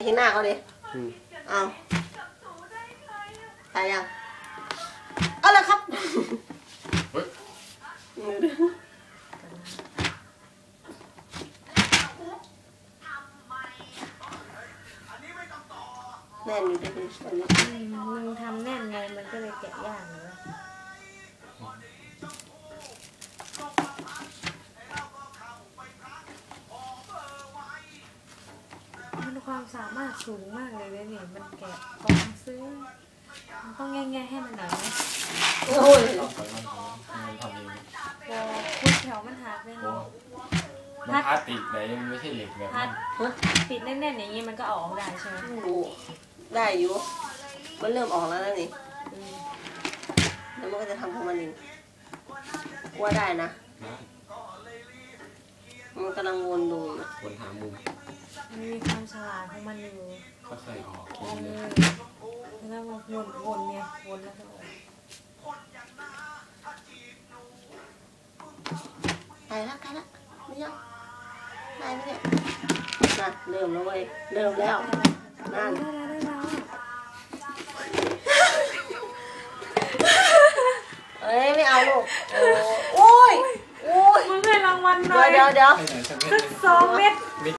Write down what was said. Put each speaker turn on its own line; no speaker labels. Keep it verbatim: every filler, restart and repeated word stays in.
ที่หน้าเขาดิเอาตายยังเอาเลยครับแน่นอยู่ดิวันนี้
มึงทำแน่นไงมันก็เลยแกะยากเลยมันความสามารถสูงมากเลยเลยนี่มันแกะกล่องซื้อมันต้องแง่ๆให้มันหน่อยนะ
โอ้ย
พอคุณแถวมันหักเลยนี่
มันพลาสติกไหนมันไม่ใช่เหล็กแบบนั้น
ปิดแน่นๆอย่างนี้มันก็ออกได้ใช่ไหม
ได้อยู่มันเริ่มออกแล้วนะนี่แล้วมันก็จะทำของมันเองว่าได้นะมันกำลังวนดู
วนหามุม
มันมีความฉลาดของมันอยู่
ก็เคยออก
เลยแล้วมันวนวนเนี่ยวนแล้วก็ออก
ได้แล้วได้แล้วไม่ยังได้ไหมเนี่ยน่ะเริ่มแล้วเว้ยเริ่มแล้วนั่นเอ้ยไม่เอาลูกโอ้ยโอ้ย
มึงให้รางวัลหน่อย
เดี๋ยวเดี๋ยว
สักสองเม็ด